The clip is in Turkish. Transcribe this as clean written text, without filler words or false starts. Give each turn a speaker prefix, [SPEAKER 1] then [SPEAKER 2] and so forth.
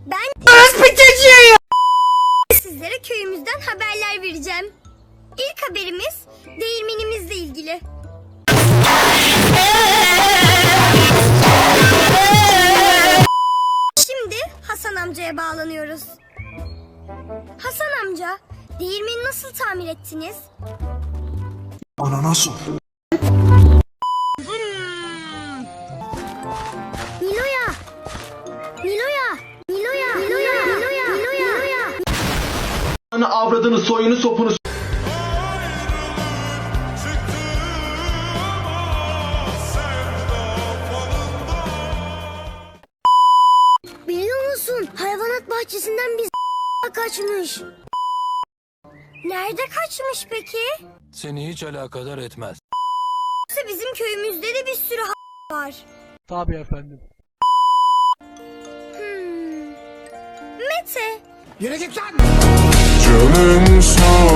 [SPEAKER 1] Sizlere köyümüzden haberler vereceğim. İlk haberimiz değirmenimizle ilgili. Şimdi Hasan amcaya bağlanıyoruz. Hasan amca, değirmeni nasıl tamir ettiniz?
[SPEAKER 2] Anana sor.
[SPEAKER 1] Nilo'ya! Nilo'ya! Nilo'ya! Nilo'ya! Nilo'ya! Nilo'ya!
[SPEAKER 2] Ana avradını soyunu sopunu.
[SPEAKER 1] Biliyor musun? Hayvanat bahçesinden bir kaçmış. Nerede kaçmış peki?
[SPEAKER 3] Seni hiç alakadar etmez.
[SPEAKER 1] Yoksa bizim köyümüzde de bir sürü var.
[SPEAKER 4] Tabii efendim.
[SPEAKER 1] Mete,
[SPEAKER 2] Yürü git lan.
[SPEAKER 5] Canım sağ